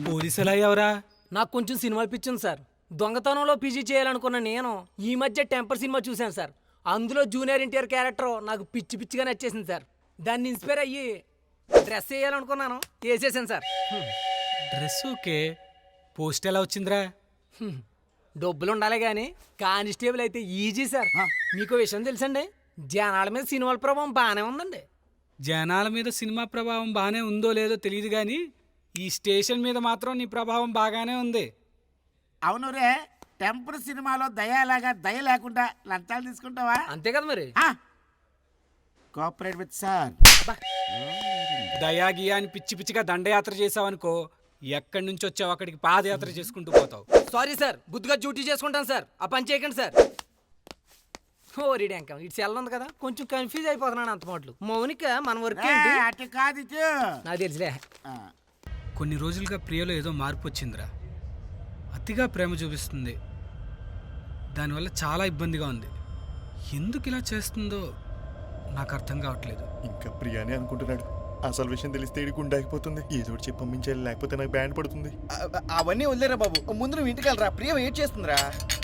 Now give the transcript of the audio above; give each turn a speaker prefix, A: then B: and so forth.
A: పోలీసులు ఎవరా?
B: నాకు కొంచెం సినిమాలు పిచ్చింది సార్. దొంగతనంలో పీజీ చేయాలనుకున్న నేను ఈ మధ్య టెంపర్ సినిమా చూశాను సార్. అందులో జూనియర్ ఎన్టీఆర్ క్యారెక్టర్ నాకు పిచ్చి పిచ్చిగా నచ్చేసింది సార్. దాన్ని ఇన్స్పైర్ అయ్యి డ్రెస్ వేయాలనుకున్నాను, వేసేసాను సార్.
A: డ్రెస్ ఓకే, పోస్ట్ ఎలా వచ్చిందిరా?
B: డబ్బులు ఉండాలి కానీ కానిస్టేబుల్ అయితే ఈజీ సార్. మీకు విషయం తెలుసండి, జనాల మీద సినిమాల ప్రభావం బాగానే ఉందండి.
A: జనాల మీద సినిమా ప్రభావం బాగానే ఉందో లేదో తెలియదు కానీ ఈ స్టేషన్ మీద మాత్రం నీ ప్రభావం బాగానే ఉంది.
C: అవును రే, టెంపర్ సినిమాలో దయలాగా దయ లేకుండా లంచాలు తీసుకుంటావా?
B: అంతే కదా మరి.
C: Cooperate with sir.
A: దయాగియా అని పిచ్చి పిచ్చిగా దండయాత్ర చేసావనుకో, ఎక్కడి నుంచి వచ్చావు అక్కడికి పాదయాత్ర చేసుకుంటూ పోతావు.
B: సారీ సార్, బుద్ధిగా డ్యూటీ చేసుకుంటాను సార్. ఆ పని చేయకండి సార్. ఓ రీడ్యాంకం ఇటు సెల్ ఉంది కదా, కొంచెం కన్ఫ్యూజ్ అయిపోతున్నాను అంత మాటలు. మౌనిక మన వర్క్ ఏంటి?
C: అటు కాదు ఇటు.
B: నాకు తెలుసులే.
A: కొన్ని రోజులుగా ప్రియలో ఏదో మార్పు వచ్చిందిరా. అతిగా ప్రేమ చూపిస్తుంది, దానివల్ల చాలా ఇబ్బందిగా ఉంది. ఎందుకు ఇలా చేస్తుందో నాకు అర్థం కావట్లేదు.
D: ఇంకా ప్రియానే అనుకుంటున్నాడు. అసలు విషయం తెలిస్తే ఇడి గుండాకిపోతుంది. ఏదో ఒకటి చెప్పి పంపించాలి, లేకపోతే నాకు బ్యాండ్ పడుతుంది.
E: అవన్నీ వదిలేరా బాబు, ముందు నువ్వు ఇంటికి వెళ్ళరా. ప్రియ వెయిట్ చేస్తుందిరా.